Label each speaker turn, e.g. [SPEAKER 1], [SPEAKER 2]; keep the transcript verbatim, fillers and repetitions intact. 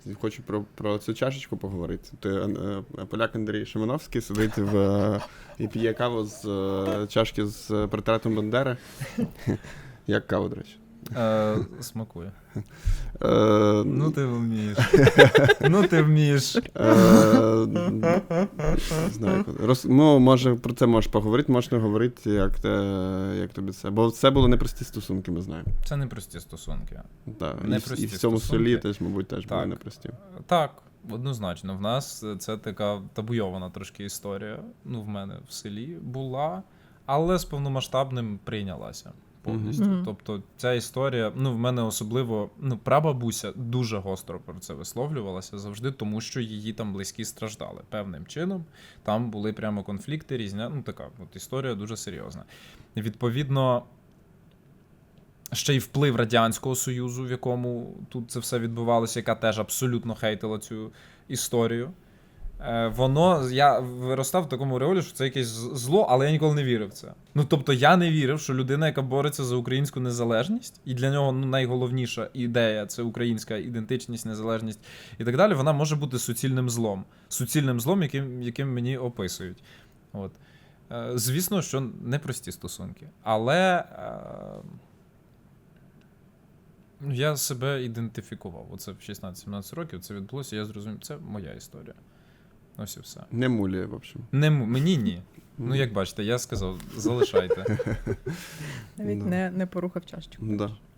[SPEAKER 1] хочу про, про цю чашечку поговорити. Ти, е, поляк Андрій Шимановський сидить в, е, і п'є каву з е, чашки з портретом Бандери. Як кава, до речі?
[SPEAKER 2] Е, смакує.
[SPEAKER 1] Е,
[SPEAKER 2] Ну ти вмієш. Ну ти вмієш.
[SPEAKER 1] е, не знаю, роз, ну, може, про це можеш поговорити, можеш не говорити, як, те, як тобі це. Бо це були непрості стосунки, ми знаємо.
[SPEAKER 2] Це непрості стосунки.
[SPEAKER 1] Да. І,
[SPEAKER 2] Непрості
[SPEAKER 1] і в цьому
[SPEAKER 2] стосунки.
[SPEAKER 1] селі теж, мабуть, теж були
[SPEAKER 2] Так.
[SPEAKER 1] непрості.
[SPEAKER 2] Так, однозначно. В нас це така табуйована трошки історія. Ну, в мене в селі була, але з повномасштабним прийнялася повністю.
[SPEAKER 3] Мгм.
[SPEAKER 2] Тобто ця історія, ну, в мене особливо, ну, прабабуся дуже гостро про це висловлювалася завжди, тому що її там близькі страждали певним чином. Там були прямо конфлікти різні. Ну, така от історія дуже серйозна. І, відповідно, ще й вплив Радянського Союзу, в якому тут це все відбувалося, яка теж абсолютно хейтила цю історію. Е, Воно, я виростав в такому реолі, що це якесь з- зло, але я ніколи не вірив в це. Ну, тобто, я не вірив, що людина, яка бореться за українську незалежність, і для нього ну, найголовніша ідея – це українська ідентичність, незалежність і так далі, вона може бути суцільним злом. Суцільним злом, яким, яким мені описують. От. Е, Звісно, що непрості стосунки. Але е, ну, я себе ідентифікував. Оце в шістнадцять-сімнадцять років це відбулося, я зрозумів, це моя історія. Ось і все.
[SPEAKER 1] Не муліє, в общем.
[SPEAKER 2] Не, м- мені ні. Ну, як бачите, я сказав, залишайте.
[SPEAKER 3] Навіть
[SPEAKER 1] Да.
[SPEAKER 3] не, не порухав чашечку.
[SPEAKER 1] Да.